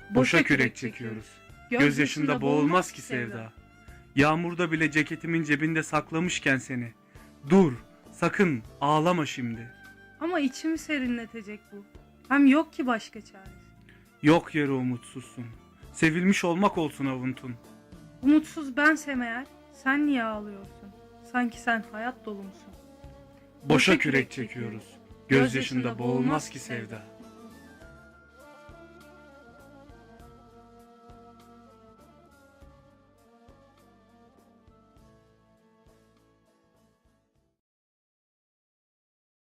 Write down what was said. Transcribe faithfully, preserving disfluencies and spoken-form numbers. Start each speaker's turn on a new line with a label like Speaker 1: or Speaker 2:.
Speaker 1: Boşa kürek çekiyoruz. Gözyaşında boğulmaz ki sevda. Yağmurda bile ceketimin cebinde saklamışken seni. Dur, sakın ağlama şimdi.
Speaker 2: Ama içimi serinletecek bu. Hem yok ki başka çaresi.
Speaker 1: Yok yere umutsuzsun. Sevilmiş olmak olsun avuntun.
Speaker 2: Umutsuz bensem eğer, sen niye ağlıyorsun? Sanki sen hayat dolu musun?
Speaker 1: Boşa kürek çekiyoruz. Gözyaşında boğulmaz ki sevda.